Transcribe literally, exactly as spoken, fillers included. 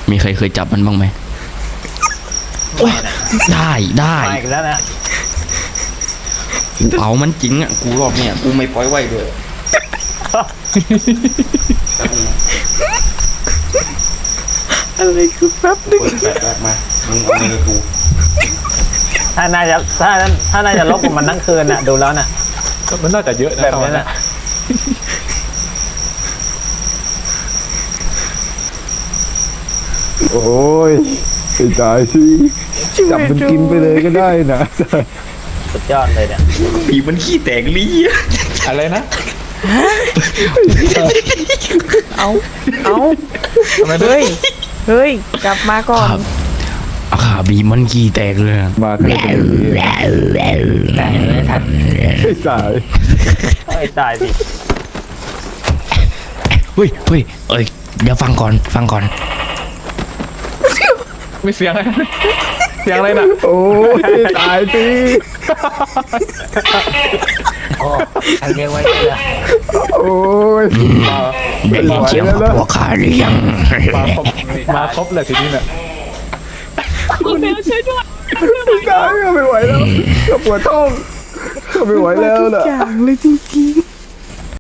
มีใครเคยจับมันบ้างไหมได้ได้มาอีกแล้วนะกูเอามันจริงอ่ะกูรอบเนี่ยกูไม่ปล่อยไว้ด้วยอะไรคือแป๊บนึงเปิดแปดแรกมามึงเอาเงินกูถ้าน่าจะถ้าถ้าน่าจะลบกับมันทั้งคืนน่ะดูแล้วน่ะมันน่าจะเยอะนะแบบนี้น่ะโอ้ยไปตายสิจับมันกินไปเลยก็ได้นะสุดยอดเลยเนี่ยผีมันขี้แตกลี้อะไรนะเอาเอาทำไมเฮ้ยเฮ้ยกลับมาก่อนอาขาบีมันขี้แตกเลยมาแค่ตรงนี้แต่ไม่ทันไม่ตายไอ้ตายสิเฮ้ยเฮ้ยเอ้ยเดี๋ยวฟังก่อนฟังก่อนไม่เสียงอะไรเสียงอะไรน่ะโอ้ยตายสิโอ้ใครเรียกไว้เนี่ยโอ้ยได้ยินเสียงของพวกข้าหรือยังมาครบมาครบเลยทีนี้น่ะไม่ตายไม่ไหวแล้วปวดท้องไม่ไหวแล้วทุกนะอย่างเลยจริงๆ